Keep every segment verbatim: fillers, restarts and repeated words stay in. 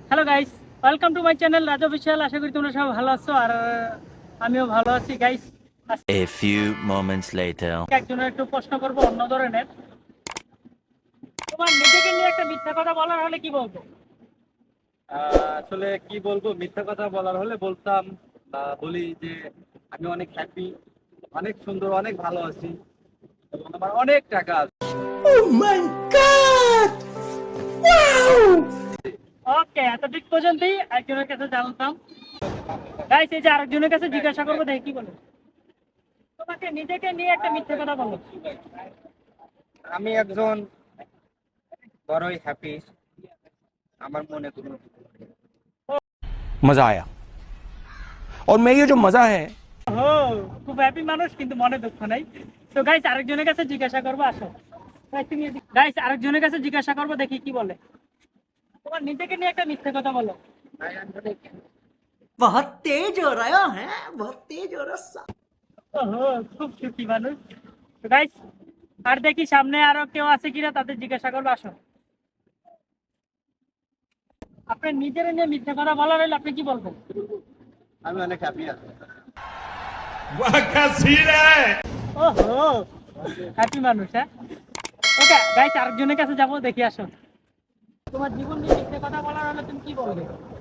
Hello guys, welcome to my channel Raj official. আশা করি তোমরা সবাই ভালো আছো আর আমিও ভালো আছি guys. A few moments later. একজনের একটু প্রশ্ন করবো অন্য ধরনের। তোমার নিজেকে নিয়ে একটা মিথ্যা কথা বলার হলে কি বলবো? আহ, আসলে কি বলবো, মিথ্যা কথা বলার হলে বলতাম বা বলি যে আমি অনেক হ্যাপি, অনেক সুন্দর, অনেক ভালো আছি এবং আমার অনেক টাকা আছে। ওকে, এতটুক পর্যন্তই একজনের কাছে জানতাম। গাইস, এই যে আরেকজনের কাছে জিজ্ঞাসা করবো, দেখি কি বলে। তোমাকে নিজেকে নিয়ে একটা মিথ্যা কথা বলো। আমি একজন বড়ই হ্যাপি, আমার মনে কোনো मजा आया और मैं ये जो मजा है ও, খুব হ্যাপি মানুষ কিন্তু মনে দুঃখ নাই। তো গাইস, আরেকজনের কাছে জিজ্ঞাসা করবো, আসো। গাইস, আরেকজনের কাছে জিজ্ঞাসা করবো, দেখি কি বলে। তোমার নিজেকে নিয়ে একটা মিথ্যে কথা বলো। बहुत तेज हो रहा है बहुत तेज हो रहा ওহো, খুব সুখী মানুষ। তো গাইস, আর দেখি সামনে আরো কেউ আছে কিনা, তাদের জিজ্ঞাসা করবো, আসো। আপনি নিজের নিয়ে মিথ্যে কথা বলার হলে আপনি কি বলবেন? আমি অনেক হ্যাপি আছি। ওহো, হ্যাপি মানুষ। হ্যাঁ, ওকে গাইস, আরেকজনের কাছে যাবো, দেখি, আসো। তোমার জীবন নিয়ে মিথ্যে কথা বলার হলে তুমি কি বলবে?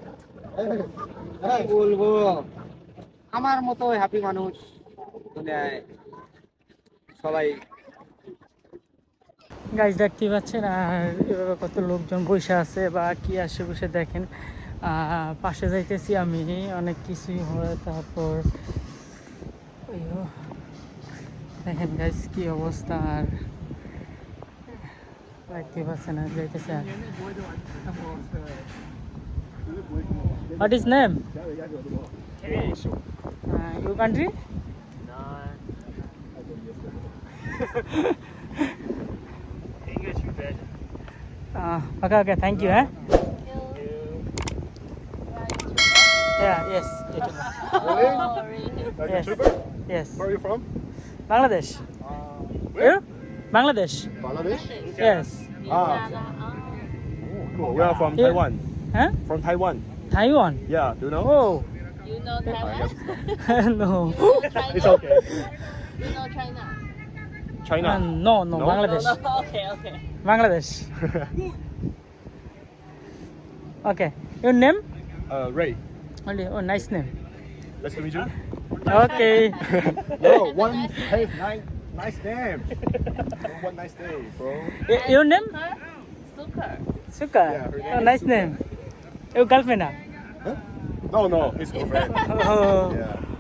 কি বলবো, আমার মতো হ্যাপি মানুষ দুনিয়ায় সবাই। গাইস, দেখতে পাচ্ছেন আর এভাবে কত লোকজন বসে আছে বা কি আসে বসে দেখেন। আহ, পাশে যাইতেছি আমি, অনেক কিছুই হয়। তারপর ওইও, দেখেন গাইস কি অবস্থা। আর দেখতে পাচ্ছেন আর যাইতেছে। What is name? You country? Uh, okay, okay, thank you. Eh? Yeah, yes. Yes. Yes. Where are you from? Bangladesh. Where? You? Bangladesh. Bangladesh? Yes. Ah. Oh, cool. We are from Yeah. Taiwan. Huh? From Taiwan. Taiwan. Yeah, do you know? Oh. You know Taiwan? No. China? It's okay. You know China? China. Uh, no, no, No? Bangladesh. No, okay, okay. Bangladesh. Okay. Your name? uh, Ray. Only. Oh, nice name. Nice to meet you. Okay. No, one. Hey, nice, nice name. Oh, one nice day, bro. Y- Your name? Suker. Suka. Yeah, her name Oh, is nice name. Your girlfriend? Ah? No, no, his girlfriend. Oh. Yeah.